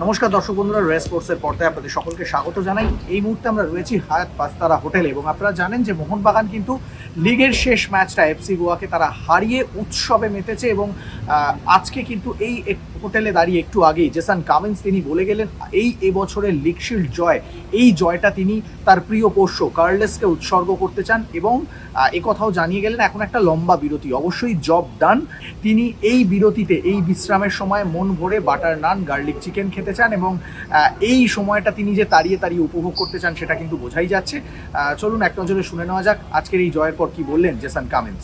নমস্কার দর্শক বন্ধুরা, রেস স্পোর্টসের পর্দায় আপনাদের সকলকে স্বাগত জানাই। এই মুহূর্তে আমরা রয়েছি হায়াত পাঁচতারা হোটেলে এবং আপনারা জানেন যে মোহনবাগান কিন্তু লিগের শেষ ম্যাচটা এফসি গোয়াকে তারা হারিয়ে উৎসবে মেতেছে এবং আজকে কিন্তু এই হোটেলে দাঁড়িয়ে একটু আগেই জেসন কামিন্স তিনি বলে গেলেন এই এবছরের লিগ শিল্ড জয়, এই জয়টা তিনি তার প্রিয় পোষ্য কার্লেসকে উৎসর্গ করতে চান এবং কথাও জানিয়ে গেলেন এখন একটা লম্বা বিরতি অবশ্যই জব ডান। তিনি এই বিরতিতে, এই বিশ্রামের সময় মন ভরে বাটার নান, গার্লিক চিকেন খেতে চান এবং এই সময়টা তিনি যে তাড়িয়ে তাড়িয়ে উপভোগ করতে চান সেটা কিন্তু বোঝাই যাচ্ছে। চলুন এক নজরে শুনে নেওয়া যাক আজকের এই জয়ের পর কি বললেন Jason Cummins.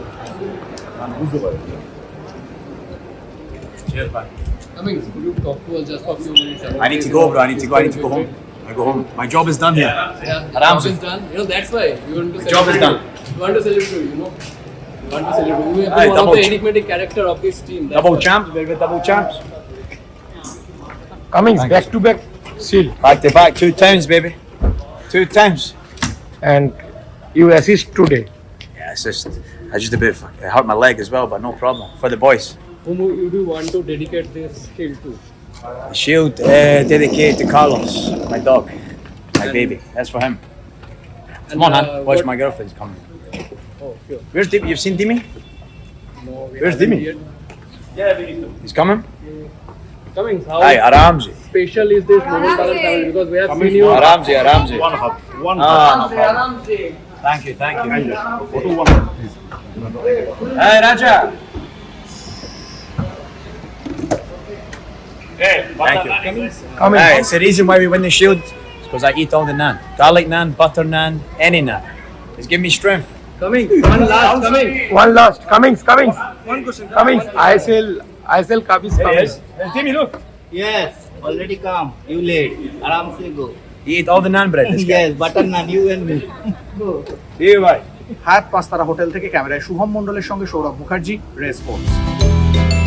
I need to go, bro. I need to go home. I go home. My job is done here. Yeah, job is done. You know, that's why you want to celebrate. Job is done. You want to celebrate, you know. You want to celebrate. You have Aye, been one of double the enigmatic character of this team. That's Double why. champs, baby. Double champs. Cummings back to back seal Back to back, 2 times, baby. 2 times. and you assist today. Yeah, it's just, I just a bit. It hurt my leg as well, but no problem for the boys. Whom you do want to dedicate this shield to? The shield dedicated to Carlos, my dog, my baby. That's for him. Come on, man. Watch, what- my girlfriend's coming. Oh, sure. Where's Dimi? You've seen Dimi? No, we Where's haven't Dimi? yet. He's coming. Coming. How Hi, Aramzi. special is this Mohanbagan family? Because we have seen you. Aramzi, Aramzi. One hub. One Ah, no problem. Thank you, thank you. Hey, Raja. Thank you. Cummings. Hey, it's the reason why we win the shield. It's because I eat all the naan. Garlic naan, butter naan, any naan. It's giving me strength. Coming. One last. Coming. One last. Cummings. Cummings. I sell Cummings. There's Timmy, look. Yes, already come. You late. Aram se go. He ate all the naan bread, this guy. Yes, butter naan, you and me. See you, bye. হায়াত পাঁচতারা hotel থেকে ক্যামেরায় শুভম মণ্ডলের সঙ্গে Sourav Mukherjee, race sports.